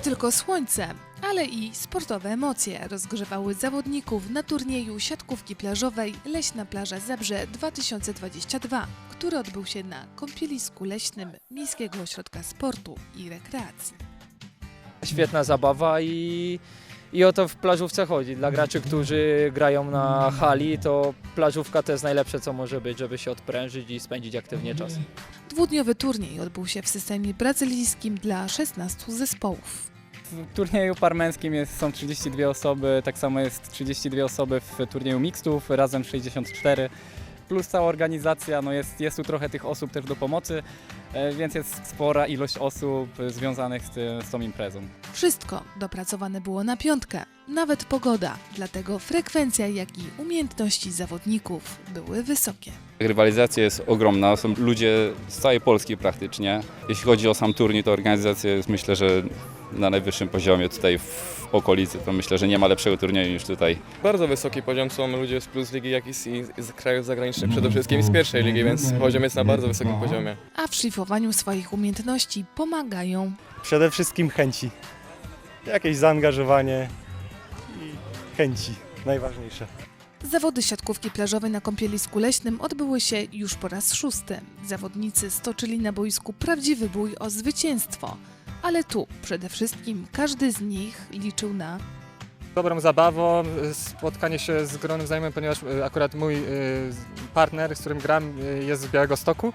tylko słońce, ale i sportowe emocje rozgrzewały zawodników na turnieju siatkówki plażowej Leśna Plaża Zabrze 2022, który odbył się na kąpielisku leśnym Miejskiego Ośrodka Sportu i Rekreacji. Świetna zabawa i o to w plażówce chodzi. Dla graczy, którzy grają na hali, to plażówka to jest najlepsze, co może być, żeby się odprężyć i spędzić aktywnie czas. Dwudniowy turniej odbył się w systemie brazylijskim dla 16 zespołów. W turnieju parmęskim są 32 osoby, tak samo jest 32 osoby w turnieju mixtów, razem 64. Plus cała organizacja, jest tu trochę tych osób też do pomocy, więc jest spora ilość osób związanych z tą imprezą. Wszystko dopracowane było na piątkę, nawet pogoda, dlatego frekwencja, jak i umiejętności zawodników były wysokie. Rywalizacja jest ogromna, są ludzie z całej Polski praktycznie. Jeśli chodzi o sam turniej, to organizacja jest, myślę, że na najwyższym poziomie tutaj w okolicy, to myślę, że nie ma lepszego turnieju niż tutaj. Bardzo wysoki poziom, są ludzie z Plus Ligi, jak i z krajów zagranicznych, przede wszystkim i z pierwszej ligi, więc poziom jest na bardzo wysokim poziomie. A w szlifowaniu swoich umiejętności pomagają Przede wszystkim chęci. Jakieś zaangażowanie i chęci, najważniejsze. Zawody siatkówki plażowej na kąpielisku leśnym odbyły się już po raz 6. Zawodnicy stoczyli na boisku prawdziwy bój o zwycięstwo, ale tu przede wszystkim każdy z nich liczył na Dobrą zabawą, spotkanie się z gronem znajomym, ponieważ akurat mój partner, z którym gram, jest z Białegostoku,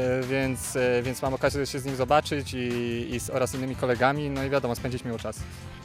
więc mam okazję się z nim zobaczyć oraz innymi kolegami, no i wiadomo, spędzić miło czas.